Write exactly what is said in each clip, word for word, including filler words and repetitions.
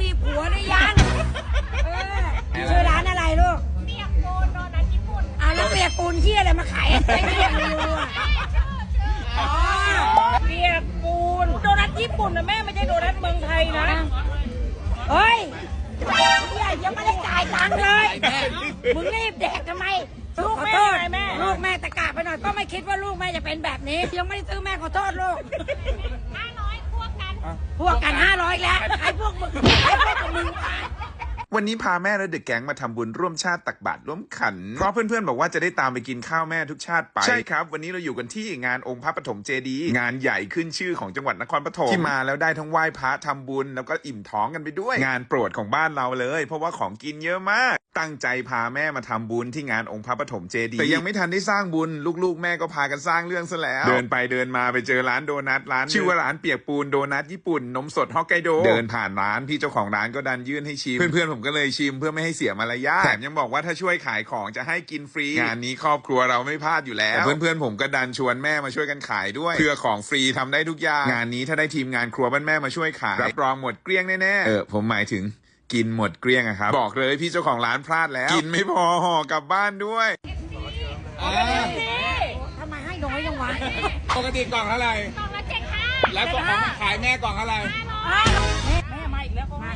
มีผัวหรือยังเออชื่อร้านอะไรลูกเปียกปูนโดนัทญี่ปุ่นอ่ะแล้วเปียกปูนที่อะไรมาขายไอ้เปียกปูนอ่ะอ๋อเปียกปูนโดนัทญี่ปุ่นนะแม่ไม่ใช่โดนัทเมืองไทยนะเฮ้ยใหญ่ยังไม่ได้จ่ายตังค์เลยมึงรีบแดกทำไมลูกแม่แม่ลูกแม่ตะกาไปหน่อยก็ไม่คิดว่าลูกแม่จะเป็นแบบนี้ยังไม่ได้ซื้อแม่ขอโทษลูกห้าร้อยพวกกันพวกกันห้าร้อยแล้วใครพวกมึงใครพวกมึงวันนี้พาแม่และเด็กแก๊งมาทำบุญร่วมชาติตักบาตรร่วมขันเพราะเพื่อนๆบอกว่าจะได้ตามไปกินข้าวแม่ทุกชาติไปใช่ครับวันนี้เราอยู่กันที่งานองค์พระปฐมเจดีย์งานใหญ่ขึ้นชื่อของจังหวัดนครปฐมที่มาแล้วได้ทั้งไหว้พระทำบุญแล้วก็อิ่มท้องกันไปด้วยงานโปรดของบ้านเราเลยเพราะว่าของกินเยอะมากตั้งใจพาแม่มาทำบุญที่งานองค์พระปฐมเจดีย์แต่ยังไม่ทันได้สร้างบุญลูกๆแม่ก็พากันสร้างเรื่องซะแล้วเดินไปเดินมาไปเจอร้านโดนัทร้านชื่อว่าร้านเปียกปูนโดนัทญี่ปุ่นนมสดฮอกไกโดเดินผ่านร้านพี่เจ้าของร้านก็ดันยื่นให้ชิมเพื่อนๆผมก็เลยชิมเพื่อไม่ให้เสียมารยาทแถมยังบอกว่าถ้าช่วยขายของจะให้กินฟรีงานนี้ครอบครัวเราไม่พลาดอยู่แล้วเพื่อนๆผมก็ดันชวนแม่มาช่วยกันขายด้วยเพื่อของฟรีทำได้ทุกอย่างงานนี้ถ้าได้ทีมงานครัวบ้านแม่มาช่วยขายรับรองหมดเกลี้ยงแน่ๆเออผมหมายถึงกินหมดเกลี้ยงอะครับบอกเลยพี่เจ้าของร้านพลาดแล้วกินไม่พอห่อกลับบ้านด้วยทำไมให้น้อยจังวะปกติกล่องเท่าไหร่กล่องละเจ็ดห้าแล้วกล่องขายแม่กล่องเท่าไหร่แม่มาอีกแล้วมา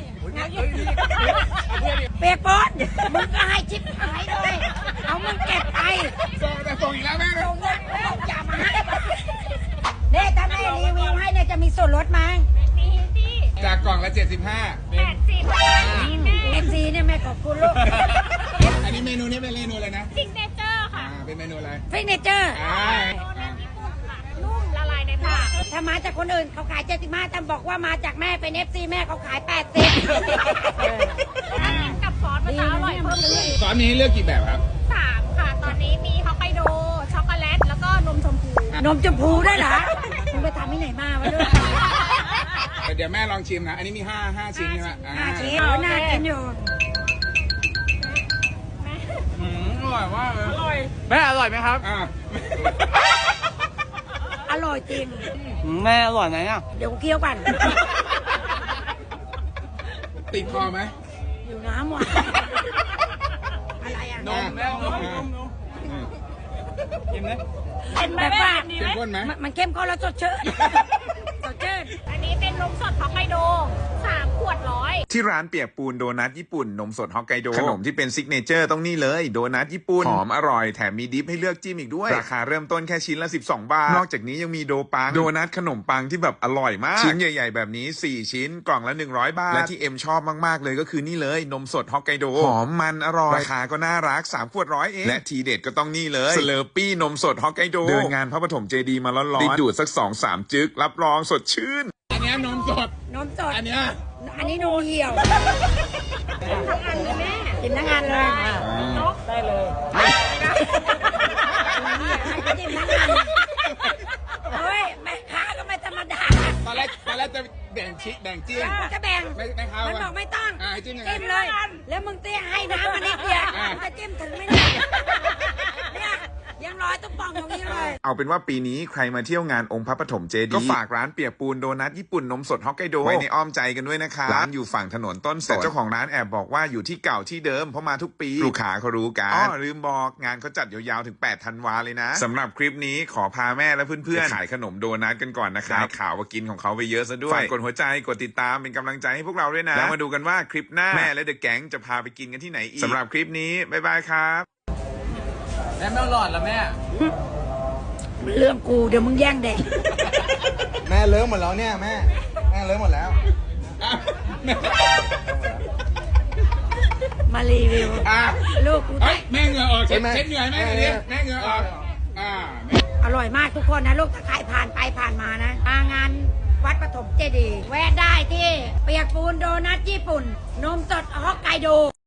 เปียกปอนมึงก็ให้ชิปหายเลยเอามึงเก็บไปส่งแต่ส่งอีกแล้วแม่ส่งเงินส่งจ่ามาให้เนี่ยถ้าแม่รีวิวให้เนี่ยจะมีส่วนลดไหมมีสิจากกล่องละเจ็ดสิบห้าแปดสิบเอฟซีเนี่ยแม่ขอบคุณลูกอันนี้เมนูนี้เป็นเมนูอะไรนะซิกเนเจอร์ค่ะเป็นเมนูอะไรซิกเนเจอร์โดนัทญี่ปุ่นค่ะนุ่มละลายในปากถ้ามาจากคนอื่นเขาขายเจ็ดสิบห้าแต่บอกว่ามาจากแม่เป็นเอฟซีแม่เขาขายแปดสิบถ้ากินกับซอสมันจะอร่อยเพิ่มขึ้นซอสนี้เลือกกี่แบบครับสามค่ะตอนนี้มีฮอกไกโดช็อกโกแลตแล้วก็นมชมพูนมชมพูได้เหรอมึงไปทำที่ไหนมาวะลูกเดี๋ยวแม่ลองชิมนะอันนี้มีห้าห้าชิ้นใช่ไหมห้าชิ้นน่ากินอยู่อร่อยมากเลยอร่อยแม่อร่อยไหมครับอร่อยจริงแม่อร่อยไหมอ่ะเดี๋ยวเคี้ยวกันติดคอไหมอยู่น้ำว่ะอะไรอ่ะนมแม่นมนมกินไหมแบบว่าเข้มข้นไหมมันเข้มข้นแล้วสดชื่นสดชื่นอันนี้เป็นนมสดฮอกไกโดสามขวดร้อยที่ร้านเปียกปูนโดนัทญี่ปุ่นนมสดฮอกไกโดขนมที่เป็นซิกเนเจอร์ต้องนี่เลยโดนัทญี่ปุ่นหอมอร่อยแถมมีดิฟให้เลือกจิ้มอีกด้วยราคาเริ่มต้นแค่ชิ้นละสิบสองบาทนอกจากนี้ยังมีโดปังโดนัทขนมปังที่แบบอร่อยมากชิ้นใหญ่ๆแบบนี้สี่ชิ้นกล่องละหนึ่งร้อยบาทและที่เอ็มชอบมากๆเลยก็คือนี่เลยนมสดฮอกไกโดหอมมันอร่อยราคาก็น่ารักสามขวดร้อยเองและทีเด็ดก็ต้องนี่เลยสเลอร์ปี้นมสดฮอกไกโดเดินงานพระปฐมเจดีย์มาร้อนๆติดดูดสัก สองสาม จึ๊กรับรองสดชื่นอันนี้นมสดนมสดอันนี้อันนี้นมเหี่ยวทั้งอันเลยแม่กินทั้งอันเลยได้เลยกินทั้งอันเฮ้ยแม่ค้าก็ไม่ธรรมดาตอนแรกตอนแรกจะแบ่งชิแบ่งจิ้มจะแบ่งแม่ค้ามันบอกไม่ต้องจิ้มเลยแล้วมึงเตี้ยให้น้ำมันนิดเดียวมึงจะจิ้มถึงไม่ได้เนี่ยยังร้อยต้องปองตรงนี้เลยเอาเป็นว่าปีนี้ใครมาเที่ยวงานองค์พระปฐมเจดีย์ก็ฝากร้านเปียกปูนโดนัทญี่ปุ่นนมสดฮอกไกโดไว้ในอ้อมใจกันด้วยนะคะร้านอยู่ฝั่งถนนต้นสนแต่เจ้าของร้านแอบบอกว่าอยู่ที่เก่าที่เดิมเพราะมาทุกปีลูกค้าเขารู้กันอ๋อลืมบอกงานเขาจัดยาวๆถึงแปดธันวาเลยนะสำหรับคลิปนี้ขอพาแม่และเพื่อนๆขายขนมโดนัทกันก่อนนะครับข่าวว่ากินของเขาไปเยอะซะด้วยฝากกดหัวใจกดติดตามเป็นกำลังใจให้พวกเราด้วยนะแล้วมาดูกันว่าคลิปหน้าแม่และเดอะแก๊งจะพาไปกินกันที่ไหนอีกสำหรับคลิปนี้บ๊ายบายครับแม่ไม่หลอดแล้วแม่เรื่องกูเดี๋ยวมึงแย่งเด็กแม่เลิกหมดแล้วเนี่ยแม่แม่เลิกหมดแล้วมารีวิวลูกกูแม่เหงื่อออกเช็ดเหงื่อแม่เลยแม่เหงื่อออกอร่อยมากทุกคนนะลูกถ้าใครผ่านไปผ่านมานะมางานวัดปฐมเจดีย์แวะได้ที่เปียกปูนโดนัทญี่ปุ่นนมสดฮอกไกโด